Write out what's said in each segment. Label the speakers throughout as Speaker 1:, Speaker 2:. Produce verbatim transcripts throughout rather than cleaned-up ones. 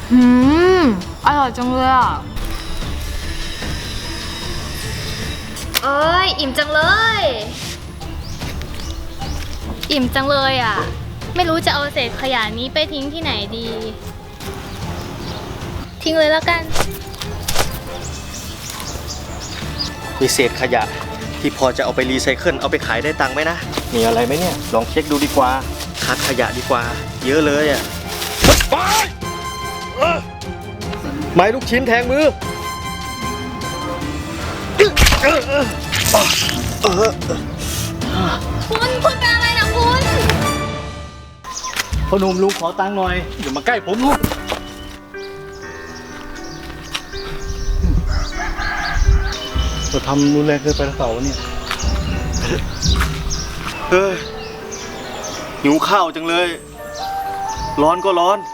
Speaker 1: หืมอร่อยจังเลยอ่ะเอ้ยอิ่มจังเลยอิ่มจังเลยอ่ะไม่รู้จะเอาเศษขยะนี้ไปทิ้งที่ไหนดีทิ้งเลยแล้วกัน
Speaker 2: มีเศษขยะที่พอจะเอาไปรีไซเคิลเอาไปขายได้ตังค์ไหมนะมีอะไรไหมเนี่ยลองเช็คดูดีกว่าคัดขยะดีกว่าเยอะเลยอ่ะไม้ลูกชิ้นแทงมือ
Speaker 1: คุณคุณเป็นอะไรนะคุณ
Speaker 2: พ่อหนุ่มลุงขอตังค์หน่อยอย่ามาใกล้ผมลูกเราทำรุนแรงเกินไปหรือเปล่าเนี่ยเฮ้ยหิวข้าวจังเลยร้อนก็ร้อน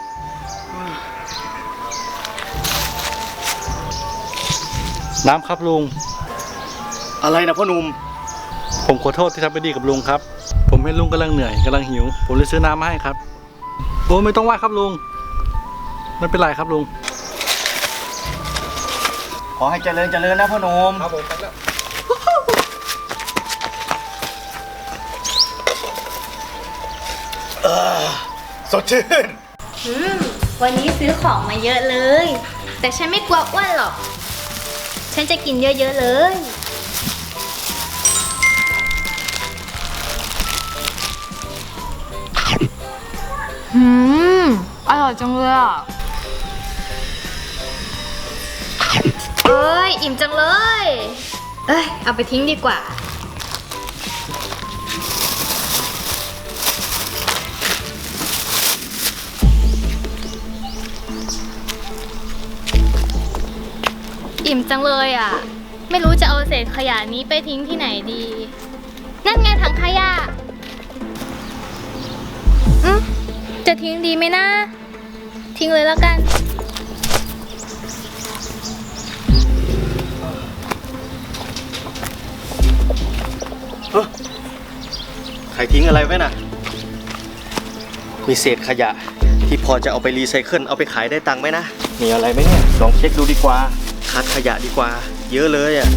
Speaker 2: น้ำครับลุงอะไรนะพ่อหนุ่มผมขอโทษที่ทำไม่ดีกับลุงครับผมเห็นลุงกำลังเหนื่อยกำลังหิวผมเลยซื้อน้ำมาให้ครับโอ้ไม่ต้องว่าครับลุงไม่เป็นไรครับลุงขอให้เจริญเจริญนะพ่อหนุ่มครับผมครับสดชื่น
Speaker 1: อืมวันนี้ซื้อของมาเยอะเลยแต่ฉันไม่กลัวอ้วนหรอกฉันจะกินเยอะๆเลยหืมอร่อยจังเลยอ่ะเอ้ยอิ่มจังเลยเอ้ยเอาไปทิ้งดีกว่าอิ่มจังเลยอ่ะไม่รู้จะเอาเศษขยะนี้ไปทิ้งที่ไหนดีนั่นไงถังขยะอืมจะทิ้งดีไหมนะทิ้งเลยแล้วกัน
Speaker 2: ใครทิ้งอะไรไว้น่ะมีเศษขยะที่พอจะเอาไปรีไซเคิลเอาไปขายได้ตังค์ไหมนะมีอะไรไหมเนี่ยลองเช็คดูดีกว่าคัดขยะดีกว่าเยอะเลยอ่ะ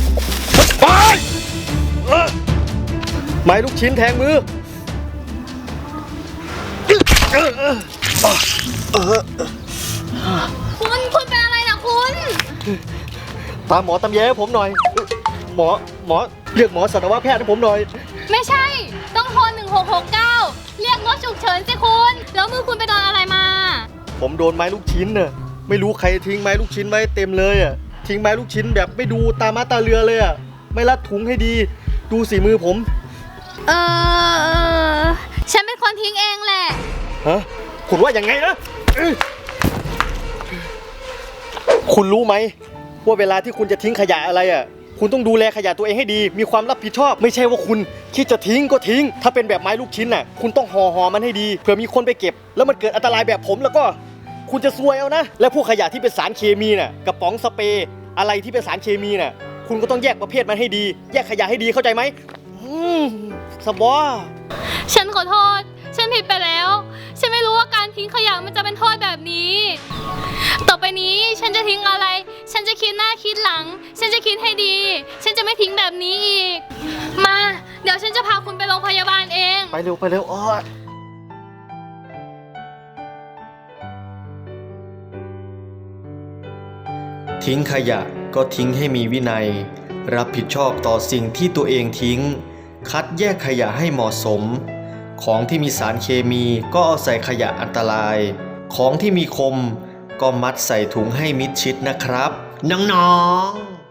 Speaker 2: ไม้ลูกชิ้นแทงมือ
Speaker 1: คุณคุณเป็นอะไรนะคุณ
Speaker 2: ตามหมอตำแยให้ผมหน่อยหมอหมอเรียกหมอสัตวแพทย์ให้ผมหน่อย
Speaker 1: ไม่ใช่ต้องโทรหนึ่งหกหกเก้าเรียกรถฉุกเฉินสิคุณแล้วมือคุณไปโดนอะไรมา
Speaker 2: ผมโดนไม้ลูกชิ้นน่ะไม่รู้ใครทิ้งไม้ลูกชิ้นไว้เต็มเลยอ่ะทิ้งไม้ลูกชิ้นแบบไม่ดูตามาตาเรือเลยอ่ะไม่รัดถุงให้ดีดูสีมือผม
Speaker 1: เออฉันเป็นคนทิ้งเองแหละ
Speaker 2: ฮะคุณว่าอย่างไงนะคุณรู้ไหมว่าเวลาที่คุณจะทิ้งขยะอะไรอ่ะคุณต้องดูแลขยะตัวเองให้ดีมีความรับผิดชอบไม่ใช่ว่าคุณคิดจะทิ้งก็ทิ้งถ้าเป็นแบบไม้ลูกชิ้นน่ะคุณต้องห่อห่อมันให้ดีเผื่อมีคนไปเก็บแล้วมันเกิดอันตรายแบบผมแล้วก็คุณจะซวยเอานะและพวกขยะที่เป็นสารเคมีน่ะกระป๋องสเปรย์อะไรที่เป็นสารเคมีน่ะคุณก็ต้องแยกประเภทมันให้ดีแยกขยะให้ดีเข้าใจไหมอืมสบอ
Speaker 1: ฉันขอโทษฉันผิดไปแล้วฉันไม่รู้ว่าการทิ้งขยะมันจะเป็นโทษแบบนี้ต่อไปนี้ฉันจะทิ้งอะไรฉันจะคิดหน้าคิดหลังฉันจะคิดให้ดีฉันจะไม่ทิ้งแบบนี้อีกมาเดี๋ยวฉันจะพาคุณไปโรงพยาบาลเอง
Speaker 2: ไปเร็วไปเร็วอ้อทิ้งขยะก็ทิ้งให้มีวินัยรับผิดชอบต่อสิ่งที่ตัวเองทิ้งคัดแยกขยะให้เหมาะสมของที่มีสารเคมีก็เอาใส่ขยะอันตรายของที่มีคมก็มัดใส่ถุงให้มิดชิดนะครับน้องๆ